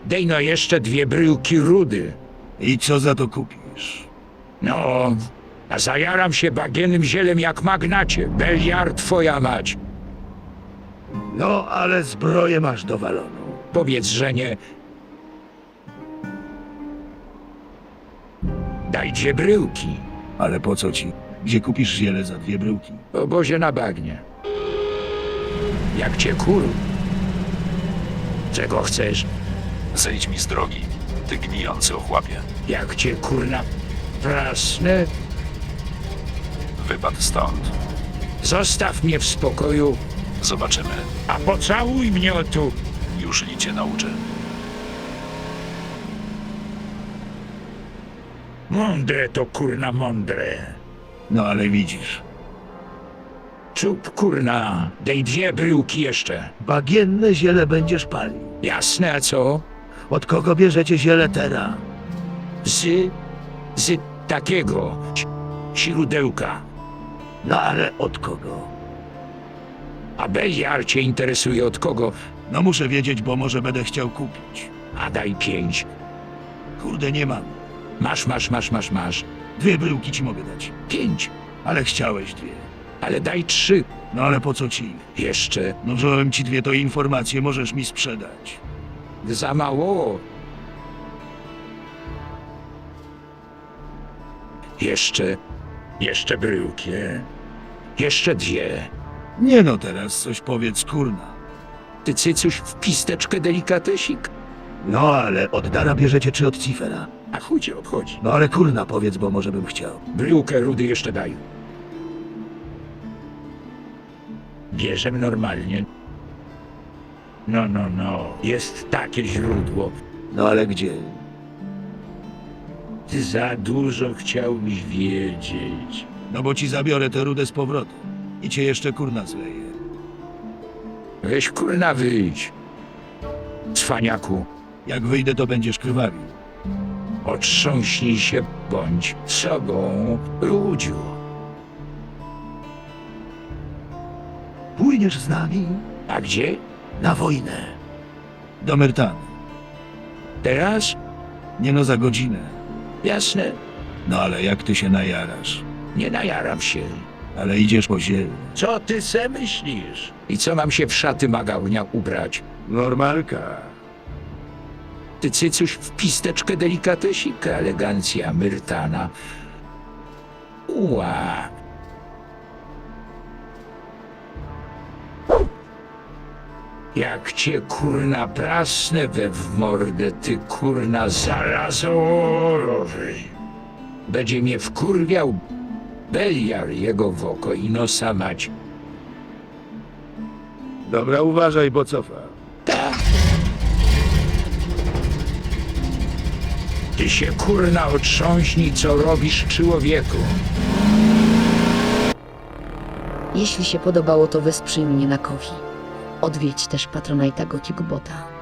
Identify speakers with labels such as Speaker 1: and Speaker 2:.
Speaker 1: Dej no jeszcze 2 bryłki rudy.
Speaker 2: I co za to kupisz?
Speaker 1: No, a zajaram się bagienym zielem jak magnacie. Beliar twoja mać.
Speaker 2: No, ale zbroję masz dowaloną.
Speaker 1: Powiedz, że nie. Daj 2 bryłki.
Speaker 2: Ale po co ci? Gdzie kupisz ziele za 2 bryłki?
Speaker 1: W obozie na bagnie. Jak cię kur... Czego chcesz?
Speaker 3: Zejdź mi z drogi, ty gnijący ochłapie.
Speaker 1: Jak cię kurna prasnę?
Speaker 3: Wypad stąd.
Speaker 1: Zostaw mnie w spokoju,
Speaker 3: Zobaczymy.
Speaker 1: a pocałuj mnie o tu.
Speaker 3: Już li cię nauczę.
Speaker 1: Mądre to kurna mądre.
Speaker 2: No ale widzisz,
Speaker 1: Czub kurna, dej 2 bryłki jeszcze.
Speaker 2: bagienne ziele będziesz palił.
Speaker 1: Jasne, a co?
Speaker 2: Od kogo bierzecie ziele teraz?
Speaker 1: Z takiego źródełka.
Speaker 2: No ale od kogo?
Speaker 1: A Beliar cię interesuje od kogo?
Speaker 2: No muszę wiedzieć, bo może będę chciał kupić.
Speaker 1: A daj 5.
Speaker 2: Kurde, nie mam.
Speaker 1: Masz.
Speaker 2: 2 bryłki ci mogę dać.
Speaker 1: 5.
Speaker 2: Ale chciałeś 2.
Speaker 1: Ale daj 3.
Speaker 2: No ale po co ci?
Speaker 1: Jeszcze.
Speaker 2: No wziąłem ci 2 to informacje, możesz mi sprzedać.
Speaker 1: Za mało. Jeszcze bryłki. Jeszcze 2.
Speaker 2: Nie no, teraz coś powiedz, kurna.
Speaker 1: Ty cycuś w pisteczkę delikatesik?
Speaker 2: No ale od Dara bierzecie czy od Cifera?
Speaker 1: A chuj cię obchodzi.
Speaker 2: No ale kurna powiedz, bo może bym chciał.
Speaker 1: Bryłkę rudy jeszcze daj. Bierzemy normalnie. No. Jest takie źródło.
Speaker 2: No ale gdzie?
Speaker 1: Ty za dużo chciałbyś wiedzieć.
Speaker 2: No bo ci zabiorę tę rudę z powrotem. I cię jeszcze kurna zleję.
Speaker 1: Weź kurna wyjdź. Cwaniaku,
Speaker 2: Jak wyjdę, to będziesz krwawił.
Speaker 1: otrząśnij się, bądź sobą, ludziu.
Speaker 2: Pójdziesz z nami
Speaker 1: A gdzie?
Speaker 2: na wojnę. Do Myrtany.
Speaker 1: Teraz?
Speaker 2: Nie no, za godzinę.
Speaker 1: Jasne,
Speaker 2: No ale jak ty się najarasz?
Speaker 1: nie najaram się.
Speaker 2: Ale idziesz po ziemi.
Speaker 1: Co ty se myślisz? I co mam się w szaty magałnia ubrać?
Speaker 2: Normalka.
Speaker 1: Ty cycuś w pisteczkę delikatesika, elegancja Myrtana. Ła. Jak cię kurna prasnę we w mordę, ty kurna zarazorowy. Będzie mnie wkurwiał Beliar jego w oko i nosa mać.
Speaker 2: Dobra, uważaj, bo cofa.
Speaker 1: Tak. Ty się kurna otrząśnij, co robisz, człowieku.
Speaker 4: Jeśli się podobało, to wesprzyj mnie na Ko-fi. Odwiedź też Patronite'a Gothic Bota.